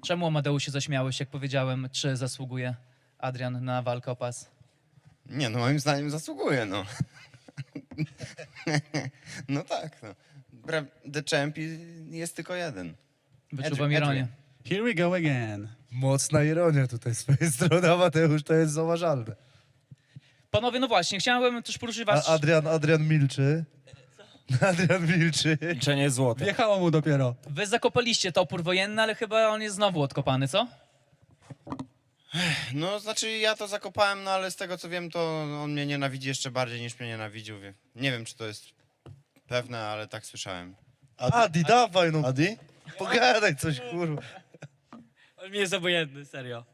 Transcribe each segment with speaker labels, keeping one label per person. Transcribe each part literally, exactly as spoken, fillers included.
Speaker 1: Czemu, Amadeusz, się zaśmiałeś, jak powiedziałem, czy zasługuje Adrian na walkę o pas?
Speaker 2: Nie, no moim zdaniem zasługuje, no. No tak, no. Bra- The Champ jest tylko jeden.
Speaker 1: Wyczuwam
Speaker 2: Adrian,
Speaker 1: ironię.
Speaker 3: Here we go again.
Speaker 4: Mocna ironia tutaj z twojej strony, a Mateusz, to jest zauważalne.
Speaker 1: Panowie, no właśnie, chciałem też poruszyć was...
Speaker 4: A Adrian, Adrian milczy. Adrian milczy.
Speaker 5: Milczenie jest złote.
Speaker 3: Wjechało mu dopiero.
Speaker 1: Wy zakopaliście topór wojenny, ale chyba on jest znowu odkopany, co?
Speaker 2: No, znaczy ja to zakopałem, no ale z tego co wiem, to on mnie nienawidzi jeszcze bardziej niż mnie nienawidził. wie- Nie wiem, czy to jest pewne, ale tak słyszałem.
Speaker 4: Adi, dawaj no.
Speaker 6: Adi?
Speaker 4: Pogadaj coś, kurwa.
Speaker 7: On mi jest obojętny, serio.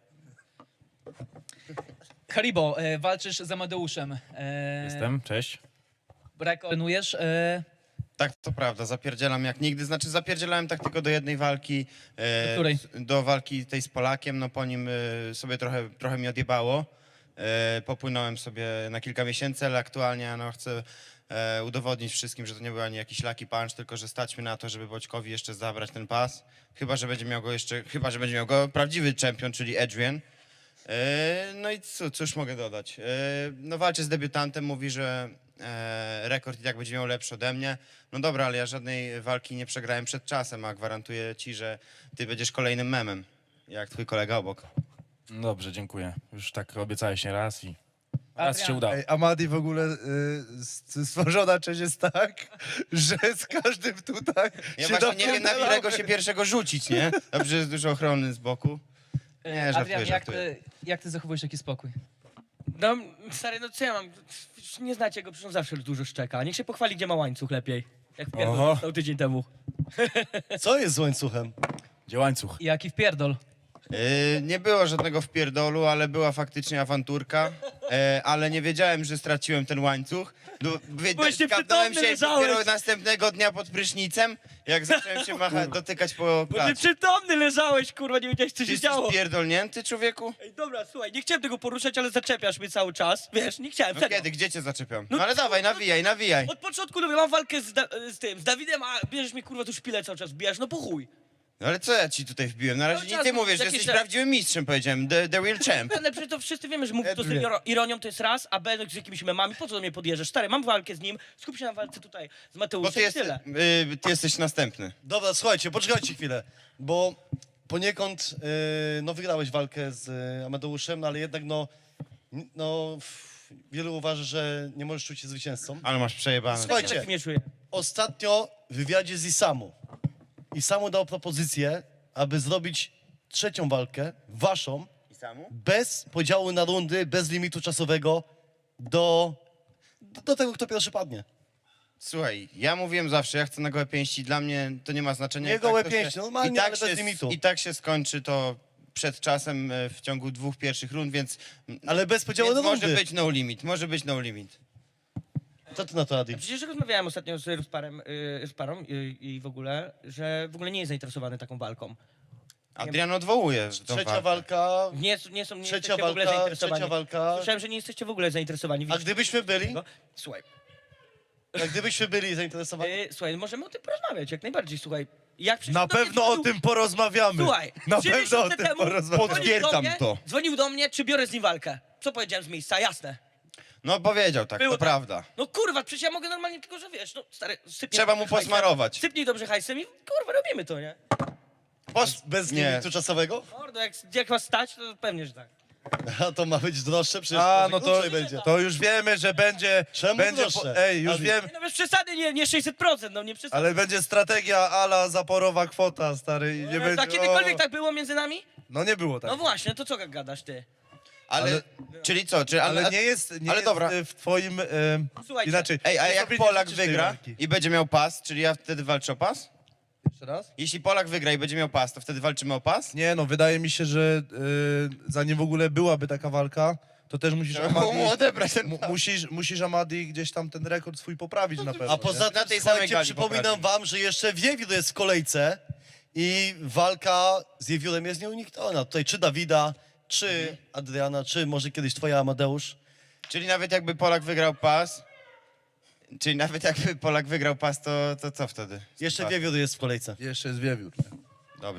Speaker 1: Haribo, e, walczysz z Amadeuszem. E,
Speaker 5: Jestem, cześć.
Speaker 1: Rekord trenujesz. E,
Speaker 2: Tak, to prawda, zapierdzielam jak nigdy. Znaczy zapierdzielałem tak tylko do jednej walki. e,
Speaker 1: Do której?
Speaker 2: s- Do walki tej z Polakiem, no po nim e, sobie trochę, trochę mi odjebało. E, popłynąłem sobie na kilka miesięcy, ale aktualnie no, chcę e, udowodnić wszystkim, że to nie był ani jakiś lucky punch, tylko że stać mi na to, żeby Boćkowi jeszcze zabrać ten pas. Chyba, że będzie miał go jeszcze, chyba, że będzie miał go prawdziwy czempion, czyli Adrian. E, No i co, cóż mogę dodać? E, No walczy z debiutantem, mówi, że e, rekord i tak będzie miał lepszy ode mnie. No dobra, ale ja żadnej walki nie przegrałem przed czasem, a gwarantuję ci, że ty będziesz kolejnym memem, jak twój kolega obok.
Speaker 5: No dobrze, dziękuję. Już tak obiecałeś nie raz i raz
Speaker 1: Adrian.
Speaker 5: się udało.
Speaker 4: Ej, Amadi w ogóle y, s- stworzona część jest tak, że z każdym tutaj
Speaker 2: Ja
Speaker 4: się
Speaker 2: właśnie nie wiem, na
Speaker 4: napierdalamy.
Speaker 2: którego się pierwszego rzucić, nie? Dobrze, jest dużo ochrony z boku. Nie, żartuję,
Speaker 1: Adrian, jak
Speaker 2: żartuję.
Speaker 1: ty, jak ty zachowujesz taki spokój?
Speaker 7: No, stary, no co ja mam? Nie znacie go, przecież on zawsze dużo szczeka. Niech się pochwali, gdzie ma łańcuch lepiej. Jak
Speaker 5: Oho.
Speaker 7: pierdol dostał tydzień temu.
Speaker 6: Co jest z łańcuchem?
Speaker 5: Gdzie łańcuch?
Speaker 1: Jaki wpierdol?
Speaker 2: Yy, nie było żadnego wpierdolu, ale była faktycznie awanturka, e, ale nie wiedziałem, że straciłem ten łańcuch. No, wiedzia-
Speaker 7: Byłeś
Speaker 2: skapnąłem
Speaker 7: nieprzytomny,
Speaker 2: się
Speaker 7: leżałeś.
Speaker 2: dopiero następnego dnia pod prysznicem, jak zacząłem się macha- dotykać po
Speaker 7: Bo ty
Speaker 2: klacie.
Speaker 7: przytomny leżałeś, kurwa, nie wiedziałeś, co
Speaker 2: Ty
Speaker 7: się
Speaker 2: jesteś
Speaker 7: działo.
Speaker 2: pierdolnięty, człowieku?
Speaker 7: Ej, dobra, słuchaj, nie chciałem tego poruszać, ale zaczepiasz mnie cały czas. Wiesz, nie chciałem,
Speaker 2: No
Speaker 7: serio.
Speaker 2: kiedy, gdzie cię zaczepiam?
Speaker 7: No
Speaker 2: No ale
Speaker 7: co?
Speaker 2: dawaj, nawijaj, nawijaj.
Speaker 7: Od początku mówię, mam walkę z, da z tym, z Dawidem, a bierzesz mnie, kurwa, tu szpilę cały czas wbijasz, no po chuj.
Speaker 2: No ale co ja ci tutaj wbiłem? Na razie
Speaker 7: Cały
Speaker 2: nie
Speaker 7: czas
Speaker 2: ty mówisz, że
Speaker 7: jakieś
Speaker 2: jesteś
Speaker 7: te-
Speaker 2: prawdziwym mistrzem, powiedziałem. The, the real champ.
Speaker 7: Ale przecież to wszyscy wiemy, że mówisz to z
Speaker 4: Edwin.
Speaker 7: iro- ironią, to jest raz, a B z jakimiś memami, po co do mnie podjeżdżasz? Stary, mam walkę z nim, skup się na walce tutaj z
Speaker 2: Bo
Speaker 7: Mateuszem
Speaker 2: ty,
Speaker 7: i
Speaker 2: jest,
Speaker 7: tyle.
Speaker 2: y, ty jesteś następny.
Speaker 6: Dobra, słuchajcie, poczekajcie chwilę, bo poniekąd yy, no wygrałeś walkę z y, Amadeuszem, no ale jednak no, n- no f- wielu uważa, że nie możesz czuć się zwycięzcą.
Speaker 2: Ale masz przejebane.
Speaker 6: Słuchajcie.
Speaker 7: Tak mnie czuję.
Speaker 6: Ostatnio w wywiadzie z Isamu, Isamu dał propozycję, aby zrobić trzecią walkę, waszą,
Speaker 2: I samu?
Speaker 6: bez podziału na rundy, bez limitu czasowego, do, do, do tego, kto pierwszy padnie.
Speaker 2: Słuchaj, ja mówiłem zawsze, ja chcę na gołe pięści, dla mnie to nie ma znaczenia.
Speaker 6: Nie
Speaker 2: I
Speaker 6: gołe
Speaker 2: to
Speaker 6: pięści,
Speaker 2: się,
Speaker 6: normalnie,
Speaker 2: i tak
Speaker 6: ale
Speaker 2: się,
Speaker 6: bez limitu.
Speaker 2: I tak się skończy to przed czasem e, w ciągu dwóch pierwszych rund, więc,
Speaker 6: Ale bez podziału
Speaker 2: więc
Speaker 6: na
Speaker 2: może
Speaker 6: rundy.
Speaker 2: być no limit, może być no limit.
Speaker 6: Co ty na to, Adi?
Speaker 7: Przecież rozmawiałem ostatnio z Rusparem, yy, z parą yy, i w ogóle, że w ogóle nie jest zainteresowany taką walką.
Speaker 2: Adrian odwołuje tą
Speaker 6: Trzecia
Speaker 2: walkę.
Speaker 6: walka,
Speaker 7: Nie, nie są nie
Speaker 6: trzecia
Speaker 7: jesteście w ogóle
Speaker 6: walka,
Speaker 7: zainteresowani.
Speaker 6: trzecia walka.
Speaker 7: Słyszałem, że nie jesteście w ogóle zainteresowani.
Speaker 6: A
Speaker 7: Widzisz
Speaker 6: gdybyśmy byli,
Speaker 7: tego? Słuchaj,
Speaker 6: a gdybyśmy byli zainteresowani,
Speaker 7: yy, słuchaj, możemy o tym porozmawiać, jak najbardziej, słuchaj. Jak przyszedł
Speaker 4: Na
Speaker 7: do mnie,
Speaker 4: pewno o
Speaker 7: dzwonił-
Speaker 4: tym porozmawiamy.
Speaker 7: Słuchaj,
Speaker 4: Na
Speaker 7: trzy
Speaker 4: pewno o
Speaker 7: miesiące
Speaker 4: tym
Speaker 7: temu
Speaker 4: porozmawiamy.
Speaker 7: dzwonił do
Speaker 2: Potwierdzam
Speaker 7: mnie-
Speaker 2: to.
Speaker 7: Dzwonił do mnie, czy biorę z nim walkę. Co powiedziałem z miejsca, jasne.
Speaker 2: No powiedział tak,
Speaker 7: Było
Speaker 2: to
Speaker 7: tak.
Speaker 2: prawda.
Speaker 7: No kurwa, przecież ja mogę normalnie, tylko że wiesz, no stary, sypnij
Speaker 2: Trzeba
Speaker 7: dobrze
Speaker 2: mu
Speaker 7: hajsem,
Speaker 2: posmarować.
Speaker 7: Sypnij dobrze hajsem i kurwa, robimy to, nie?
Speaker 2: Pos...
Speaker 6: bez
Speaker 2: nie.
Speaker 6: limitu czasowego,
Speaker 7: Mordo, jak, jak was stać, to pewnie, że tak.
Speaker 6: a to ma być droższe, przecież
Speaker 4: A,
Speaker 6: może
Speaker 4: no to,
Speaker 6: krócej będzie.
Speaker 4: to już wiemy, że będzie...
Speaker 6: Czemu
Speaker 4: będzie
Speaker 6: droższe?
Speaker 4: Ej, już
Speaker 6: Adi.
Speaker 4: wiem,
Speaker 7: Nie, no bez przesady, nie, nie sześćset procent, no nie przesady.
Speaker 4: ale będzie strategia ala zaporowa kwota, stary, i nie
Speaker 7: Ale
Speaker 4: będzie...
Speaker 7: tak kiedykolwiek
Speaker 4: o,
Speaker 7: tak było między nami?
Speaker 4: No nie było tak.
Speaker 7: No właśnie, to co gadasz ty?
Speaker 2: Ale,
Speaker 4: Ale-
Speaker 2: czyli co? Czy, ale,
Speaker 4: Ale nie jest, nie
Speaker 2: ale
Speaker 4: jest
Speaker 2: dobra.
Speaker 4: e, w twoim... E,
Speaker 7: Słuchajcie.
Speaker 4: inaczej.
Speaker 2: Ej, a
Speaker 4: nie
Speaker 2: jak
Speaker 4: sobie nie
Speaker 2: Polak
Speaker 4: życzysz tej
Speaker 2: wygra
Speaker 4: walki.
Speaker 2: i będzie miał pas, czyli ja wtedy walczę o pas?
Speaker 4: Jeszcze raz?
Speaker 2: Jeśli Polak wygra i będzie miał pas, to wtedy walczymy o pas?
Speaker 4: Nie, no wydaje mi się, że e, zanim w ogóle byłaby taka walka, to też musisz
Speaker 2: Trzeba było mu
Speaker 4: Amadi,
Speaker 2: odebrać ten
Speaker 4: mu,
Speaker 2: pas.
Speaker 4: musisz, musisz Amadi gdzieś tam ten rekord swój poprawić na pewno.
Speaker 6: A poza
Speaker 2: Na
Speaker 6: tym,
Speaker 2: tej samej
Speaker 6: słuchajcie,
Speaker 2: gali
Speaker 6: przypominam
Speaker 2: poprawi.
Speaker 6: wam, że jeszcze Wiewiór jest w kolejce i walka z Wiewiórem jest nieunikniona. Tutaj czy Dawida, czy Adriana, czy może kiedyś twoja Amadeusz.
Speaker 2: Czyli nawet jakby Polak wygrał pas, czyli nawet jakby Polak wygrał pas, to, to co wtedy?
Speaker 6: Jeszcze
Speaker 2: Pas.
Speaker 6: Wiewiór jest w kolejce.
Speaker 4: Jeszcze jest wiewiór.
Speaker 2: Dobrze.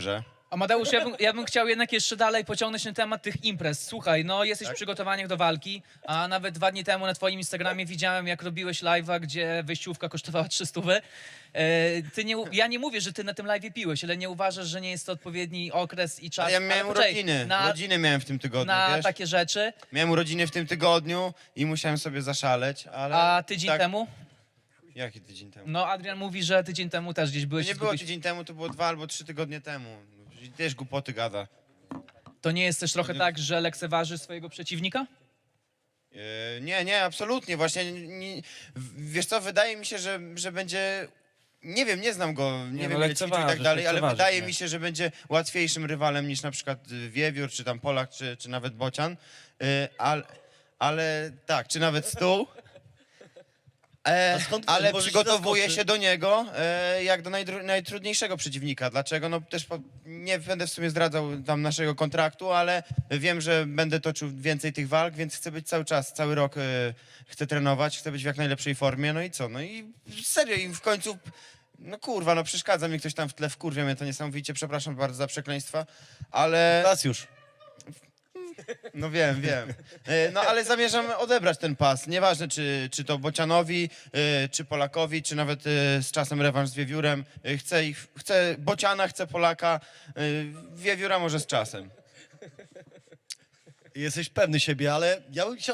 Speaker 1: Amadeusz, ja bym, ja bym chciał jednak jeszcze dalej pociągnąć ten temat tych imprez. Słuchaj, no jesteś w przygotowaniach do walki, a nawet dwa dni temu na twoim Instagramie widziałem, jak robiłeś live'a, gdzie wyjściówka kosztowała trzy stówy. E, ty nie, u- ja nie mówię, że ty na tym live'ie piłeś, ale nie uważasz, że nie jest to odpowiedni okres i czas.
Speaker 2: Ale ja
Speaker 1: ale
Speaker 2: miałem
Speaker 1: poczekaj,
Speaker 2: urodziny,
Speaker 1: na,
Speaker 2: urodziny miałem w tym tygodniu,
Speaker 1: na
Speaker 2: wiesz?
Speaker 1: takie rzeczy,
Speaker 2: Miałem urodziny w tym tygodniu i musiałem sobie zaszaleć, ale...
Speaker 1: a tydzień
Speaker 2: tak,
Speaker 1: temu?
Speaker 2: Jaki tydzień temu?
Speaker 1: No Adrian mówi, że tydzień temu też gdzieś
Speaker 2: To
Speaker 1: byłeś.
Speaker 2: nie
Speaker 1: i
Speaker 2: było
Speaker 1: zgubiłeś-
Speaker 2: tydzień temu, to było dwa albo trzy tygodnie temu. I też głupoty gada.
Speaker 1: To nie jest też trochę tak, że lekceważysz swojego przeciwnika?
Speaker 2: Yy, nie, nie, absolutnie. Właśnie, nie, w- wiesz co, wydaje mi się, że, że będzie... Nie wiem, nie znam go, nie,
Speaker 5: Nie,
Speaker 2: wiem
Speaker 5: no,
Speaker 2: ile ćwiczył i tak
Speaker 5: lekceważysz,
Speaker 2: dalej, ale
Speaker 5: lekceważysz
Speaker 2: wydaje
Speaker 5: mnie.
Speaker 2: mi się, że będzie łatwiejszym rywalem niż na przykład y, Wiewiór, czy tam Polak, czy, czy nawet Bocian. Yy, ale, ale tak, czy nawet Stół. E,
Speaker 6: A skąd
Speaker 2: ale
Speaker 6: możesz
Speaker 2: przygotowuję
Speaker 6: zaskoczyć?
Speaker 2: się do niego e, jak do najdru- najtrudniejszego przeciwnika. Dlaczego? No też po, nie będę w sumie zdradzał tam naszego kontraktu, ale wiem, że będę toczył więcej tych walk, więc chcę być cały czas, cały rok e, chcę trenować, chcę być w jak najlepszej formie. No i co? No i serio, i w końcu... No kurwa, no przeszkadza mi ktoś tam w tle, wkurwia mnie to niesamowicie, przepraszam bardzo za przekleństwa, ale...
Speaker 6: Raz już.
Speaker 2: No wiem, wiem. E, No ale zamierzam odebrać ten pas. Nieważne, czy, czy to Bocianowi, e, czy Polakowi, czy nawet e, z czasem rewanż z Wiewiórem. E, Chcę, ich, chcę Bociana, chcę Polaka, e, Wiewióra może z czasem.
Speaker 6: Jesteś pewny siebie, ale ja bym chciał